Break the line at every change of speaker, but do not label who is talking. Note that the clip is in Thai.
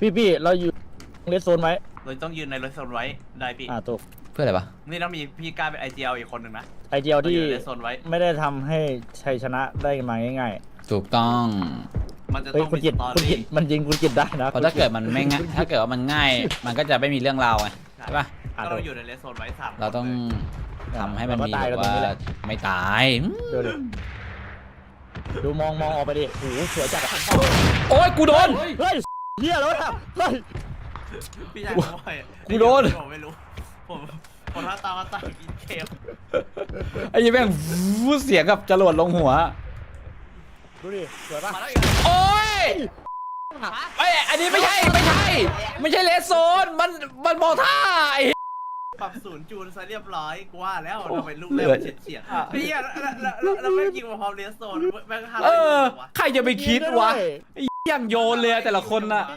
พี่เราอยู่เลสโซนไว้
เราต้องยืนในรถโซนไว้ได้พี่
ถูก
เพื่ออะไรวะ
นี่ต้องมีพี่กล้าเป็นไอเจียวอีกคนหนึ่งนะ
ไอเดียวที่
เราอยู่ในโซนไว้
ไม่ได้ทำให้ชัยชนะได้มาง่าย
ถูกต้อง
มันจะ
ๆเฮ้ย
ต้อง
คุณ
มี
กิ
ส
ต
ตอ
คุณกิ
รี่
ตมันยิงคุณกิตได้นะ
เพราะถ้าเกิดมันไม่ง่ายถ้าเกิดว่ามันง่าย มันก็จะไม่มีเรื่องราวไงใช่ปะ
ก็เราอยู่ในเลสโซนไว้3
เราต้องทำให้มันมี
ตาย
แบ
กัน
บ
ตรง
ว่า
นี้แหละ
ไม่ตาย
ดูดิดูมองออกไปดิโอ้โหสวยจัดอะ
โอ๊ยกูโดน
เฮ้ยเฮียแล้วอะเฮ้ย
พี่ชายผมว่า
กูโดน
ผมไม่รู้ผมถ้าตามมาตายกินเกม
ไอ้ยี่แม่งวู้เสียงกับจรวดลงหัว
ดูดิสวยปะ
มาแล้วอีก
โอ๊ยไอ้ยอันนี้ไม่ใช่เลสโซนมันมองท่าไอ้
ปรับศูนย์จูนซะเรียบร้อยกูว่าแล้วทำไมลูก
เหลื
เล่
อ
มเฉียดพี่แล้วไม่ยิงมาพร้อมเลสโซนแม่งห้า
เออ
วะ
ใครจะไปคิดวะไอ้ยังโยนเลยอะแต่ละคนน่ะ